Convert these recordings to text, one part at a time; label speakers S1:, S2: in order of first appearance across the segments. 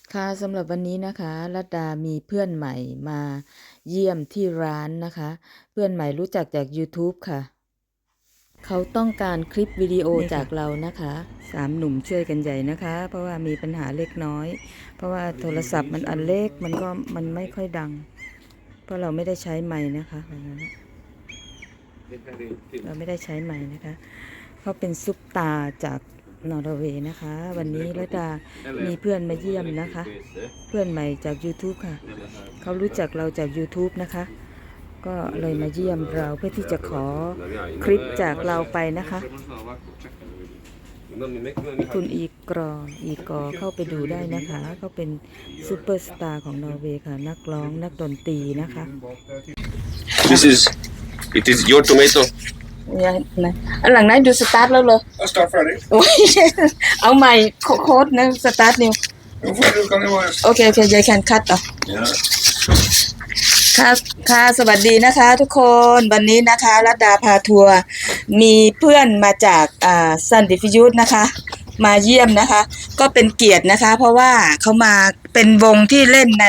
S1: ค่ะสำหรับวันนี้นะคะรัตดามีเพื่อนใหม่มาเยี่ยมที่ร้านนะคะ เพื่อนใหม่รู้จักจาก YouTube ค่ะเขาต้องการคลิปวิดีโอจากเรานะคะ3หนุ่มช่วยกันใหญ่นะคะเพราะว่ามีปัญหาเล็กน้อยเพราะว่าโทรศัพท์มันอันเล็กมันไม่ค่อยดังเพราะเราไม่ได้ใช้ไมค์นะคะเราไม่ได้ใช้ไมค์นะคะเขาเป็นซุปตาจากนอร์เวย์นะคะวันนี้รัตดามีเพื่อนมาเยี่ยมนะคะเพื่อนใหม่จาก YouTube ค่ะเขารู้จักเราจาก YouTube นะคะก็เลยมาเยี่ยมเราเพื่อที่จะขอคลิปจากเราไปนะคะคุณอีกอเข้าไปดูได้นะคะเขาเป็นซูเปอร์สตาร์ของนอร์เวย์ค่ะนักร้องนักดนตรีนะคะ
S2: It is your tomato.
S1: นะอันหลังนั้นดูสตาร์ทแล้วเลย
S3: I start Friday.
S1: โอ้ยเอาใหม่โค้ดนะสตาร์ทนิว
S3: Friday kan det vara.
S1: โอเคยายแคนคัตต่อ
S3: Ja.
S1: ค่ะสวัสดีนะคะทุกคนวันนี้นะคะรัตดาพาทัวร์มีเพื่อนมาจากซันดิฟิยุทนะคะมาเยี่ยมนะคะก็เป็นเกียรตินะคะเพราะว่าเขามาเป็นวงที่เล่นใน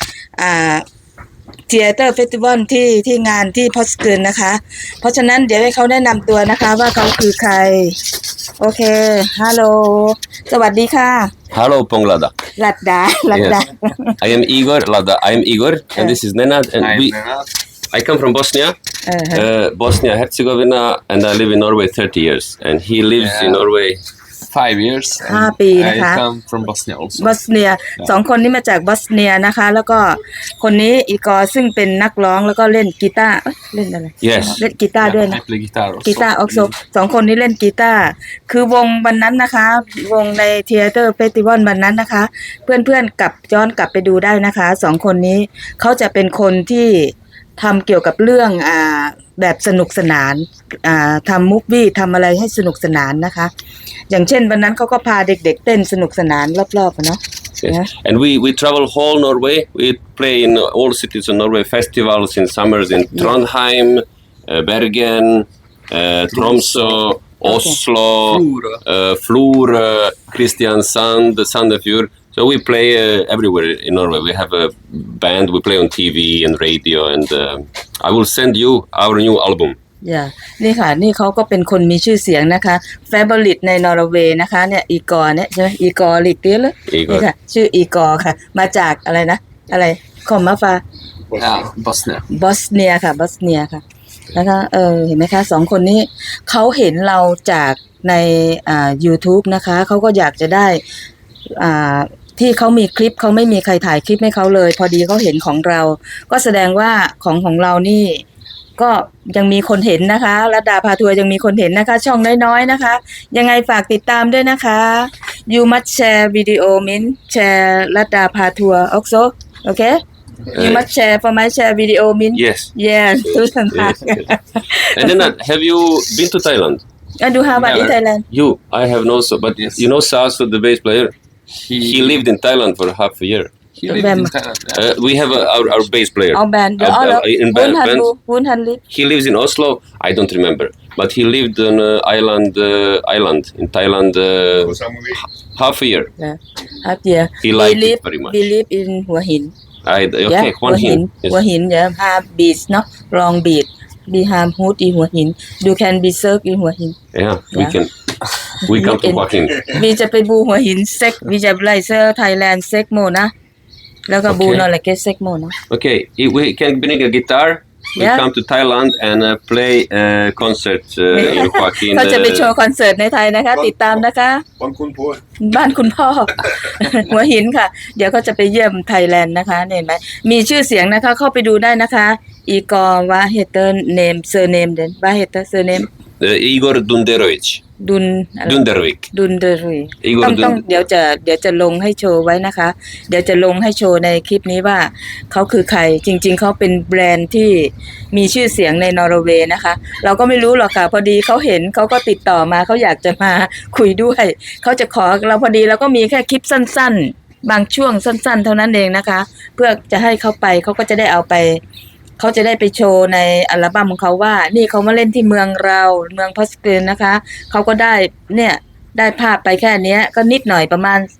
S1: เทียเตอร์เฟสติวัลที่งานที่พอสเกินนะคะเพราะฉะนั้นเดี๋ยวให้เขาแนะนำตัวนะคะว่าเขาคือใครโอเคฮัลโหลสวัสดีค่ะ
S2: Hello, Ponglada.
S1: รัตดา
S2: Yes. I am Igor. Lada. I am Igor, and this is Nenad. And I come from Bosnia, Bosnia Herzegovina, and I live in Norway 30 years. And he lives in Norway
S4: 5 years.
S1: 5 ปีนะคะ
S4: I come from Bosnia also.
S1: บอสเนีย2 คนนี้มาจากบอสเนียนะคะแล้วก็คนนี้อีกอซึ่งเป็นนักร้องแล้วก็เล่นกีตาร์เล่นอะไร
S2: Yes.
S1: เล่นกีตาร์ด้วย
S4: I
S1: นะ
S4: play guitar also.
S1: กีตาร์ออกโซ2 คนนี้เล่นกีตาร์คือวงวันนั้นนะคะวงในเทียเตอร์เฟสติวัลวันนั้นนะคะเพื่อนๆย้อนกลับไปดูได้นะคะ2 คนนี้เขาจะเป็นคนที่ทำเกี่ยวกับเรื่องแบบสนุกสนานทำมูฟวี่ทำอะไรให้สนุกสนานนะคะอย่างเช่นวันนั้นเขาก็พาเด็กๆเต้นสนุกสนานรอบๆเนาะ
S2: Yes. And we travel whole Norway. We play in all cities of Norway, festivals in summers in Trondheim, Bergen, Tromsø, Oslo, Florø, Kristiansand, Sandefjord. So we play everywhere in Norway. We have a band. We play on TV and radio. And I will send you our new album. นี่ค่ะนี่เขาก็เป็นคนมีชื่อเสียงนะคะเฟเวอริตในนอร์เวย์นะคะเนี่ยอีกอร์เนี่ยใช่ไหมอีกอร์ลิกเตี้ยเลยนี่ค่ะชื่ออีกอร์ค่ะมาจากอะไรนะอะไรคอมมาฟา
S4: Yeah, Bosnia.
S1: บอสเนียค่ะบอสเนียค่ะนะคะเห็นไหมคะ2 คนนี้เขาเห็นเราจากในYouTube นะคะเขาก็อยากจะได้ที่เขามีคลิปเขาไม่มีใครถ่ายคลิปให้เขาเลยพอดีเขาเห็นของเราก็แสดงว่าของเรานี่ก็ยังมีคนเห็นนะคะรัตดาพาทัวร์ยังมีคนเห็นนะคะช่องน้อยๆนะคะยังไงฝากติดตามด้วยนะคะ You must share video min share รัตดาพาทัวร์ also okay You must share for my share video min
S2: Yes.
S1: yes
S2: And then have you been to Thailand?
S1: I do have in Thailand
S2: You, I have no so, but
S4: Yes.
S2: you know Sasu, the bass player. He lived in Thailand for half a year.
S4: He lived in Thailand. Yeah.
S2: We have our bass player.
S1: our band
S2: In band.
S1: Woon Han Lip
S2: He lives in Oslo. I don't remember, but he lived on island in Thailand half a year.
S1: half year
S2: He liked it very much.
S1: we live in หัวหิน
S2: Okay,
S1: หัวหิน
S2: Yes.
S1: หัวหินhave beach เนาะ long beach we have hood in หัวหิน you can be served in หัวหิน
S2: Yeah, we
S1: Yeah.
S2: can. We come to Joaquin.
S1: วีจะไปบูหัวหินเซ็กวีจะไล่เซอร์ไทยแลนด์เซ็กโมนะแล้วก็บูนอร์เลเกเซ็กโมนะ
S2: Okay, we can bring a guitar. We
S1: Yeah.
S2: come to Thailand and play a concert in Joaquin.
S1: เขาจะไปโชว์คอนเสิร์ตในไทยนะคะติดตามนะคะ
S3: Man kom på.
S1: บ้านคุณพ่อ หัวหินค่ะ เดี๋ยวเขาจะไปเยี่ยมไทยแลนด์นะคะเห็นไหมมีชื่อเสียงนะคะเข้าไปดูได้นะคะอีกอร์วาเฮเตอร์เนมเซอร์เนมเดนวาเฮเตอร์เซอร์เนม
S2: Igor Dunderovic.
S1: ดุน
S2: Dundervik.
S1: ดุนเดรุย
S2: Igor
S1: ต้องเดี๋ยวจะลงให้โชว์ไว้นะคะ เดี๋ยวจะลงให้โชว์ในคลิปนี้ว่าเขาคือใครจริงๆเขาเป็นแบรนด์ที่มีชื่อเสียงในนอร์เวย์นะคะ เราก็ไม่รู้หรอกค่ะพอดีเขาเห็นเขาก็ติดต่อมาเขาอยากจะมาคุยด้วยเขาจะขอเราพอดีเราก็มีแค่คลิปสั้นๆบางช่วงสั้นๆเท่านั้นเองนะคะ เพื่อจะให้เขาไปเขาก็จะได้เอาไปเขาจะได้ไปโชว์ในอัลบั้มของเขาว่านี่เขามาเล่นที่เมืองเราเมืองพอสเกนนะคะเขาก็ได้เนี่ยได้ภาพไปแค่นี้ก็นิดหน่อยประมาณ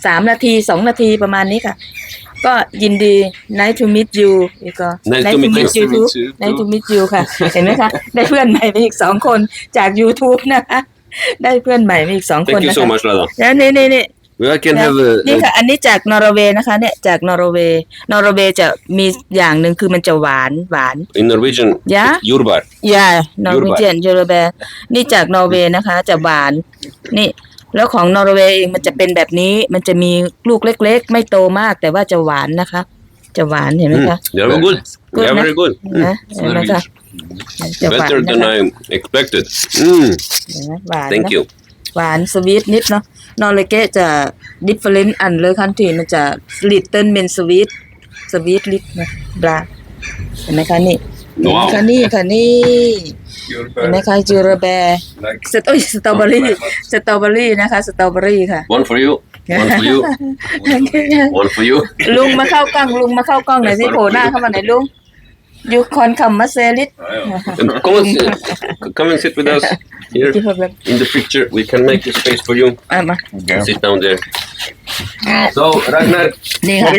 S1: 3 นาที 2 นาทีประมาณนี้ค่ะ ก็ยินดี nice to meet you อีกก็
S2: Nice to meet you.
S1: you too nice to meet you ค่ะ เห็นไหมคะ ได้เพื่อนใหม่ไปอีก 2 คนจาก YouTube นะคะ ได้เพื่อนใหม่มาอีก 2 คน
S2: Thank you
S1: นะ
S2: so
S1: คะ
S2: much, Lada.
S1: แล้วนี่
S2: We can have
S1: นี่ค่ะ อันนี้จากนอร์เวย์นะคะ เนี่ยจากนอร์เวย์จะมีอย่างหนึ่งคือมันจะหวาน
S2: in Norwegian.
S1: Yeah?
S2: It's Jordbær.
S1: ย่านอร์เวเจียนยูโรแบร์นี่จากนอร์เวย์นะคะ จะหวาน นี่ แล้วของนอร์เวย์เองมันจะเป็นแบบนี้ มันจะมีลูกเล็กๆ ไม่โตมากแต่ว่าจะหวานนะคะ จะหวานเห็นไหมคะ
S2: They are good. They are very good.
S1: นะเห็นไหมคะจะหวาน
S2: Better
S1: นะ
S2: than
S1: คะ
S2: I expected.
S1: เห็นไหมหวาน
S2: Thank
S1: นะ
S2: you.
S1: หวานสวีทนิดเนาะนอร์เวย์จะ different อันเลยคันทีมันจะ little เป็นสวีทลิดนะบลาเห็นไหมคะนี่เห็นไหมคะนี่ค่ะนี่เห็นไหมคะจูโรแบร์สตรอเบอรี่นะคะสตรอเบอรี่ค่ะ
S2: One for you. One for you. One for you.
S1: ลุงมาเข้ากล้องหน่อยสิโผล่หน้าเข้ามาหน่อยลุงยูคอนคัมมาเซลิต
S2: Come and sit with us here in the picture. We can make a space for you.
S1: มา
S2: Sit down there. So, Ragnar,
S1: นี่ค่ะ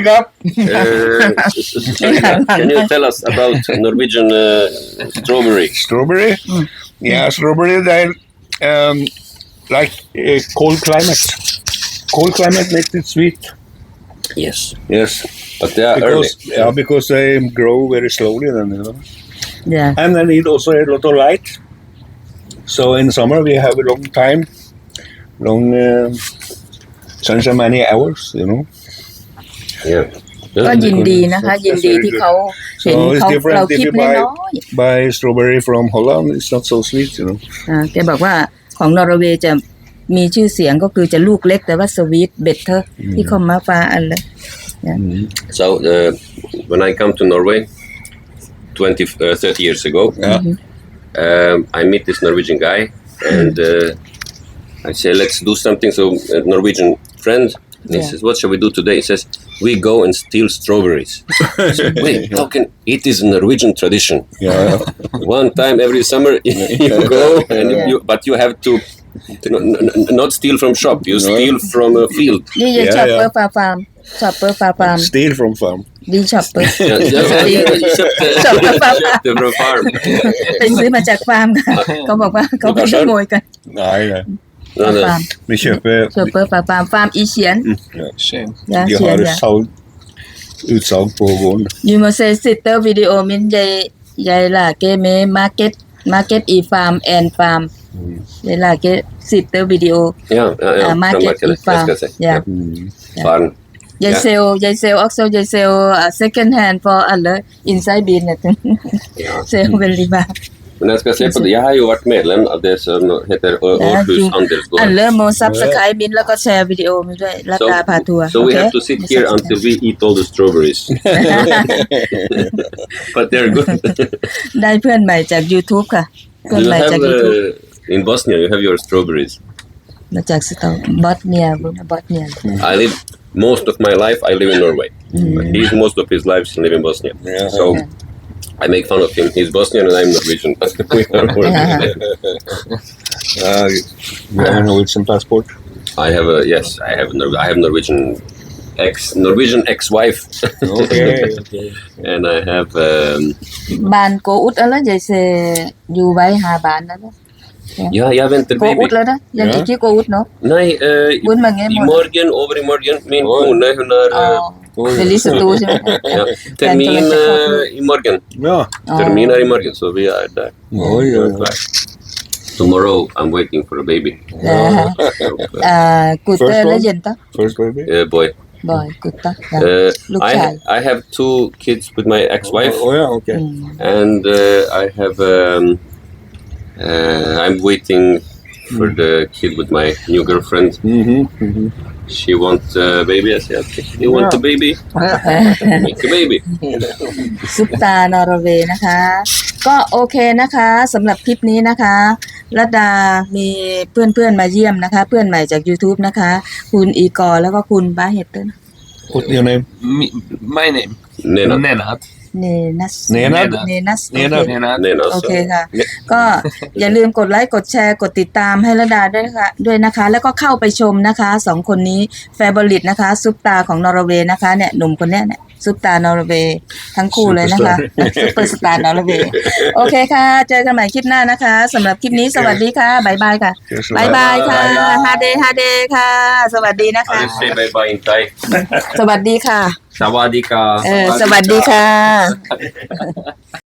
S2: can you tell us about Norwegian strawberry?
S3: Strawberry? Yeah, strawberry, they like cold climate. Cold climate makes it sweet.
S2: Yes.
S3: Yes.
S2: But they are
S3: Because they grow very slowly then, you know.
S1: อย่า
S3: And they need also a lot of light. So in summer we have a long time, sunshine many hours, you know.
S2: Yeah.
S1: ก็ยินดีนะคะ ยินดีที่เขาเห็น
S3: So it's
S1: เขา
S3: different
S1: เราค
S3: if
S1: ลิป
S3: you
S1: น้
S3: buy,
S1: อย
S3: buy strawberry from Holland, it's not so sweet, you know.
S1: แกบอกว่าของนอร์เวย์จะมีชื่อเสียงก็คือจะลูกเล็กแต่ว่าสวีทเบเตอร์ที่เขามาฟ้าอันเลย
S2: So, when I come to Norway 30 years ago, I meet this Norwegian guy and I say, let's do something. So, a Norwegian friend, he says, what shall we do today? He says, we go and steal strawberries. I said, wait, it is a Norwegian tradition.
S3: Yeah.
S2: One time every summer you go, and but you have to not steal from shop. You steal from a field.
S1: นี่จะช็อปเปอร์ฟาร์ม
S3: Steal from farm.
S1: ดีช็อปเปอร์
S2: From farm.
S1: ไปซื้อมาจากฟาร์มค่ะเขาบอกว่าเขาไปขโมยกัน
S3: Nej, nej.
S2: No, no.
S1: ฟาร์ม
S3: Vi köper
S1: ช็อปเปอร์ฟาร์มอีเฉียน
S4: Shame.
S1: ยา
S3: Vi
S1: เฉียน
S3: har
S1: ยา
S3: utsalg på gården.
S1: ยูมาเซซิเตอร์วิดีโอมินยายล่ะเกเมมาร์เก็ตอีฟาร์มแอนฟาร์มยายล่ะเกซิเตอร์วิดีโอ
S2: Ja,
S1: Market
S2: from Market,
S1: i farm.
S2: jag ska säga.
S1: Yeah.
S2: Farm.
S1: ยายเซลalso ยายเซล second hand for อะไร inside bin เนี่ยเซลเวลิบา
S2: Men jag ska se på det. Jag har ju varit medlem av det som heter Århus
S1: อัน
S2: Andelsgård.
S1: เริ่มโมซับสไครบินแล้วก็แชร์วิดีโอมาด้วยราคาพาทัวร์
S2: So we have to sit here until we eat all the strawberries. But they're good.
S1: ได้เพื่อนใหม่จาก YouTube ค่ะ เพื่อน
S2: You
S1: ใหม่จาก
S2: have
S1: YouTube
S2: in Bosnia, you have your strawberries.
S1: มาจากสตอบอสเนีย
S2: I live most of my life. I live in Norway. But he's most of his life live in Bosnia.
S3: Yeah.
S2: So I make fun of him. He's Bosnian and I'm Norwegian. But we are working.
S3: You have a Norwegian passport?
S2: I have I have Norwegian ex-wife.
S3: Okay.
S2: And I have
S1: บ้านโกอุดอะไรยายเซอยู่ไว้หาบ้านแล้วนะ
S2: jag väntar
S1: โกอุ
S2: baby.
S1: ดแล้วนะยังอีกที่โกอุดเนาะ
S2: Nej,
S1: Buon mange
S2: over i morgon, min kone hon har
S1: เดลิสตูใช่ไหม
S2: ja, termin i morgon.
S3: Ja.
S2: Termin är i morgon, så vi är där.
S3: Oj, oj, oj.
S2: Tomorrow I'm waiting for a baby.
S1: กูเตอร์แล้วเย็นตะ
S3: First baby?
S2: Boy.
S1: บ่อยกูเตอร์ Look child.
S2: I have 2 kids with my ex-wife,
S3: Oh, yeah, okay.
S2: and I have I'm waiting for the kid with my new girlfriend. She wants a baby. I said, okay, you want a baby? Make a baby.
S1: ซุปตานอร์เวย์นะคะ ก็โอเคนะคะสำหรับคลิปนี้นะคะรัตดามีเพื่อนๆมาเยี่ยมนะคะ เพื่อนใหม่จาก YouTube นะคะ คุณอีกอร์แล้วก็คุณบาเฮตเตอร์
S3: What's your name?
S4: My name.
S2: Nenad.
S4: Nenad.
S1: เนนัส
S3: เนนัส
S1: เนนัส
S3: เนนัส
S4: Nena.
S1: โอเคค่ะ ก็อย่าลืมกดไลค์กดแชร์กดติดตามให้ระดาด้วยนะคะ แล้วก็เข้าไปชมนะคะสองคนนี้แฟเบอริตนะคะซุปตาของนอร์เวย์นะคะเนี่ยหนุ่มคนเนี้ยเนี่ยซุปตานอร์เวย์ทั้งคู่เลยนะคะซุปเปอร์สตาร์นอร์เวย์โอเคค่ะ เจอกันใหม่คลิปหน้านะคะสำหรับคลิปนี้สวัสดีค่ะบายบายค่ะบายบายค่ะฮาเดฮาเดค่ะ สวัสดีนะคะ
S2: How do you say bye bye in Thai?
S1: สวัสดีค่ะ
S2: Sawadika.
S1: สวัสดีค่ะ